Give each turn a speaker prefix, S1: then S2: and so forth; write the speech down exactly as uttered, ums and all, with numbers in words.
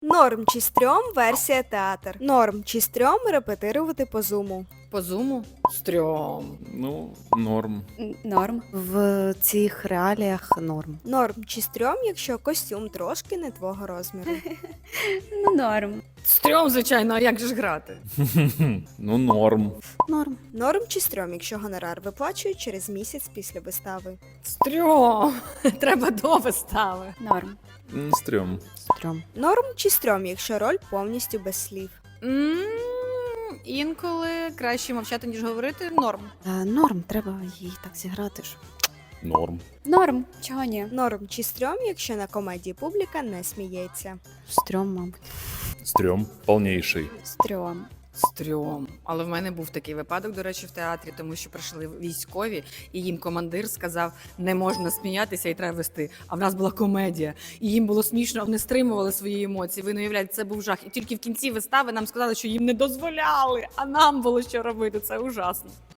S1: Норм чи стрьом версія театр. Норм чи стрьом репетирувати по зуму.
S2: По зуму? Стрьом.
S3: Ну, норм.
S4: Н- Норм.
S5: В цих реаліях норм.
S1: Норм чи стрьом, якщо костюм трошки не твого розміру.
S4: Ну, норм.
S2: Стрьом, звичайно, а як же ж грати?
S3: Ну, норм.
S5: Норм.
S1: Норм чи стрьом, якщо гонорар виплачують через місяць після вистави.
S2: Стрьом. Треба до вистави.
S4: Норм.
S3: М, Стрьом.
S5: Стрьом.
S1: Норм чи стрьом, якщо роль повністю без слів.
S2: М, Інколи краще мовчати, ніж говорити. Норм.
S5: Е, норм, треба її так зіграти ж.
S3: Норм.
S4: Норм. Чого ні?
S1: Норм чи стрьом, якщо на комедії публіка не сміється.
S5: Стрьом, мабуть.
S3: Стрьом. Полнейший.
S4: Стрьом.
S2: Стрьом. Але в мене був такий випадок, до речі, в театрі, тому що прийшли військові, і їм командир сказав, не можна сміятися і треба вести. А в нас була комедія. І їм було смішно, вони стримували свої емоції. Ви не уявляєте, це був жах. І тільки в кінці вистави нам сказали, що їм не дозволяли, а нам було що робити. Це ужасно.